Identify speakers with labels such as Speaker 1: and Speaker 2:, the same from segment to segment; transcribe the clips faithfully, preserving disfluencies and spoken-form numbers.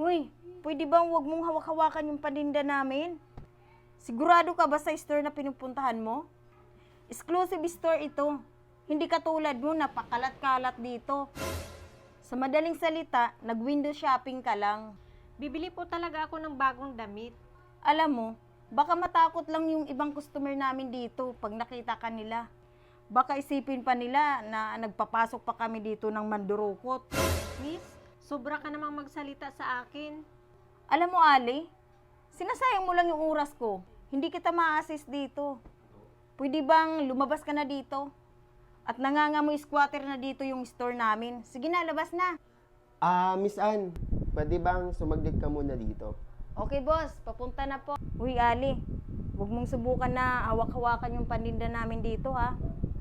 Speaker 1: Hoy, pwede bang wag mong hawak-hawakan yung paninda namin? Sigurado ka ba sa store na pinupuntahan mo? Exclusive store ito. Hindi katulad mo, napakalat-kalat dito. Sa madaling salita, nag-window shopping ka lang.
Speaker 2: Bibili po talaga ako ng bagong damit.
Speaker 1: Alam mo, baka matakot lang yung ibang customer namin dito pag nakita ka nila. Baka isipin pa nila na nagpapasok pa kami dito ng mandurukot.
Speaker 2: Miss, sobra ka namang magsalita sa akin.
Speaker 1: Alam mo, Ali, sinasayang mo lang yung oras ko. Hindi kita ma-assist dito. Pwede bang lumabas ka na dito? At nangangamoy squatter na dito yung store namin. Sige na, labas na.
Speaker 3: Ah, Miss Ann, pwede bang sumaglit ka muna dito?
Speaker 1: Okay, boss. Papunta na po. Uy, Ali, huwag mong subukan na hawak-hawakan yung paninda namin dito, ha?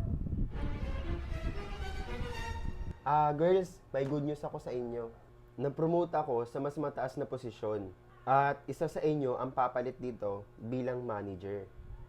Speaker 3: Ah, girls, may good news ako sa inyo. Na-promote ako sa mas mataas na posisyon. At isa sa inyo ang papalit dito bilang manager.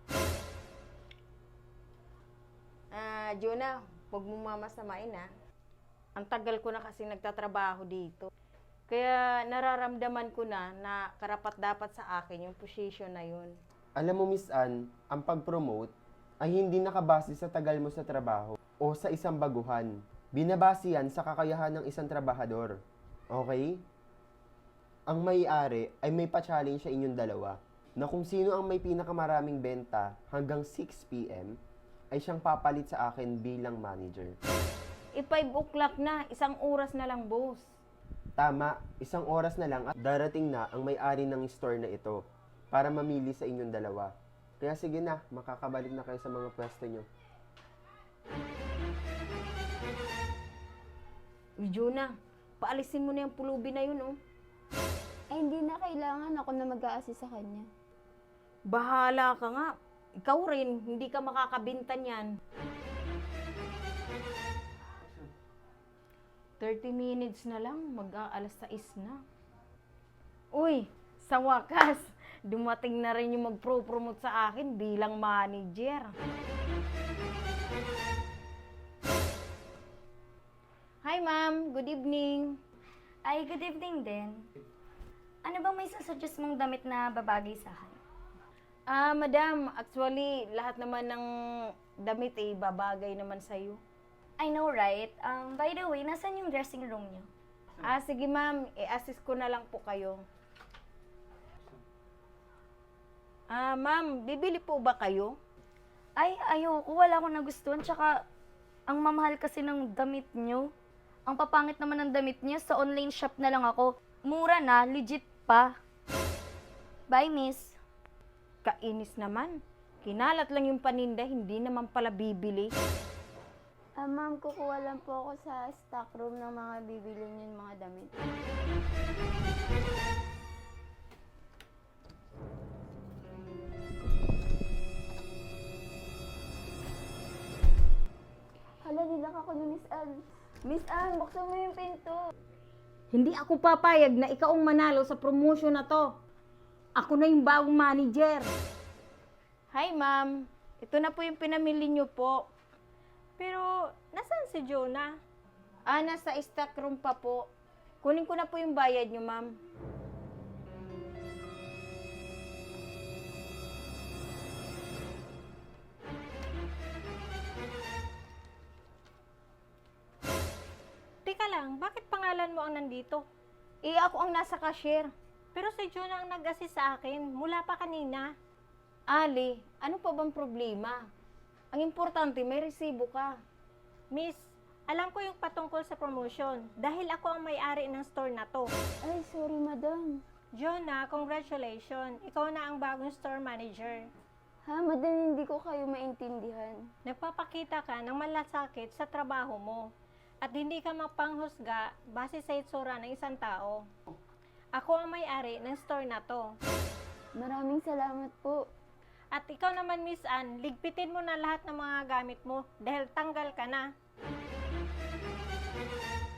Speaker 1: Ah, Jonah, huwag mong mamasamain, ha? Ang tagal ko na kasi nagtatrabaho dito. Kaya nararamdaman ko na na karapat-dapat sa akin yung position na yun.
Speaker 3: Alam mo, Miss Ann, ang pag-promote ay hindi nakabase sa tagal mo sa trabaho o sa isang baguhan. Binabase yan sa kakayahan ng isang trabahador. Okay? Ang may-ari ay may pa-challenge sa inyong dalawa na kung sino ang may pinakamaraming benta hanggang six p m ay siyang papalit sa akin bilang manager.
Speaker 1: E five o'clock na, isang oras na lang, boss.
Speaker 3: Tama, isang oras na lang at darating na ang may-ari ng store na ito para mamili sa inyong dalawa. Kaya sige na, makakabalik na kayo sa mga pwesto nyo.
Speaker 1: Uy, Jonah, paalisin mo na yung pulubi na yun, oh.
Speaker 4: Ay, hindi na kailangan ako na mag-a-assist sa kanya.
Speaker 1: Bahala ka nga. Ikaw rin, hindi ka makakabinta niyan. thirty minutes na lang, mag-aalas sais na. Uy, sa wakas, dumating na rin yung mag-pro-promote sa akin bilang manager. Hi, ma'am. Good evening.
Speaker 5: Ay, good evening din. Ano bang may sasuggest mong damit na babagay sa akin?
Speaker 1: Ah, madam, actually, lahat naman ng damit eh, babagay naman sa'yo.
Speaker 5: I know, right? Um, by the way, nasan yung dressing room niyo?
Speaker 1: Ah, sige ma'am, i-assist ko na lang po kayo. Ah, ma'am, bibili po ba kayo?
Speaker 5: Ay, ayoko. Wala akong nagustuhan. Tsaka, ang mamahal kasi ng damit niyo. Ang papangit naman ng damit niya. Sa online shop na lang ako. Mura na, legit pa. Bye, miss.
Speaker 1: Kainis naman. Kinalat lang yung paninda, hindi naman pala bibili.
Speaker 4: Ah, ma'am, kukuha lang po ako sa stock room ng mga bibili niyo mga damit. Hala, nilak ako ni Miss Ann. Miss Ann, buksan mo yung pinto.
Speaker 1: Hindi ako papayag na ikaw ang manalo sa promotion na to. Ako na yung bagong manager. Hi, ma'am. Ito na po yung pinamili niyo po.
Speaker 2: Pero, nasaan si Jonah?
Speaker 1: Ah, nasa stock room pa po. Kunin ko na po yung bayad niyo, ma'am.
Speaker 2: Teka lang, bakit pangalan mo ang nandito?
Speaker 1: Eh, ako ang nasa cashier.
Speaker 2: Pero si Jonah ang nag-assist sa akin, mula pa kanina.
Speaker 1: Ali, ano pa bang problema? Ang importante, may resibo ka.
Speaker 2: Miss, alam ko yung patungkol sa promotion dahil ako ang may-ari ng store na to.
Speaker 4: Ay, sorry, madam.
Speaker 2: Jonah, congratulations. Ikaw na ang bagong store manager.
Speaker 4: Ha, madam, hindi ko kayo maintindihan.
Speaker 2: Nagpapakita ka ng malasakit sa trabaho mo at hindi ka mapanghusga base sa itsura ng isang tao. Ako ang may-ari ng store na to.
Speaker 4: Maraming salamat po.
Speaker 2: At ikaw naman, Miss Ann, ligpitin mo na lahat ng mga gamit mo dahil tanggal ka na.